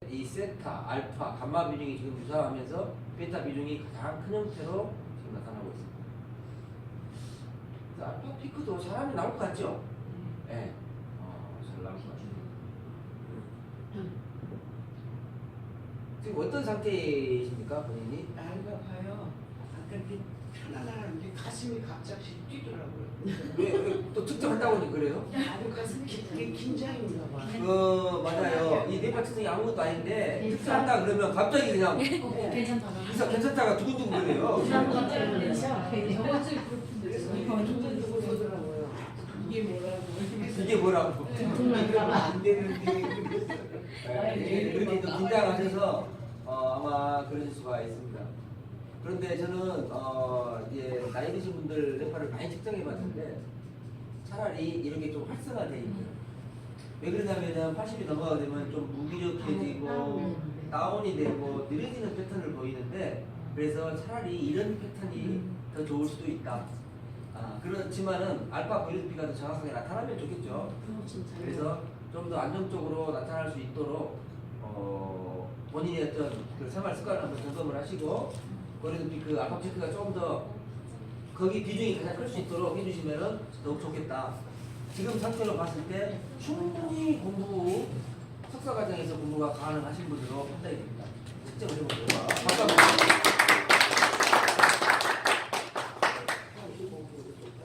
이 세타, 알파, 감마 비중이 지금 유사하면서 베타 비중이 가장 큰 형태로 지금 나타나고 있습니다. 그래서 알파 피크도 사람이 나올 것 같죠? 네. 잘 나올 것 같아요. 지금 어떤 상태이십니까, 본인이? 알가 봐요. 아까 이렇게 편안한데 가슴이 갑자기 뛰더라고요. 왜 또 특정한다고 하니 그래요? 아주 가슴이 긴장인가 봐. 맞아요. 이 뇌파층이 아무것도 아닌데 특정한다 그러면 갑자기 그냥 괜찮다가. 괜찮다가 두근두근 거려요. 두근두근 오더라고요. 이게 뭐라고? 이게 뭐라고? 이러면 안 되는데. 그렇게 좀 긴장하셔서 아마 그러실 수가 있습니다. 그런데 저는 이제 나이 드신 분들 뇌파를 많이 측정해봤는데 차라리 이렇게 좀 활성화되어 있는. 왜 그러냐면은 80이 넘어가게 되면 좀 무기력해지고 다운이 되고 느려지는 패턴을 보이는데 그래서 차라리 이런 패턴이 더 좋을 수도 있다. 그렇지만은 알파 보이스피가 더 정확하게 나타나면 좋겠죠. 그래서 좀 더 안정적으로 나타날 수 있도록 본인의 어떤 그 생활 습관을 한번 점검을 하시고 보이스피 그 알파 체크가 조금 더 거기 비중이 가장 클 수 있도록 해주시면은 더욱 좋겠다. 지금 상태로 봤을 때 충분히 석사 과정에서 공부가 가능하신 분으로 판단이 됩니다. 측정을 해보세요.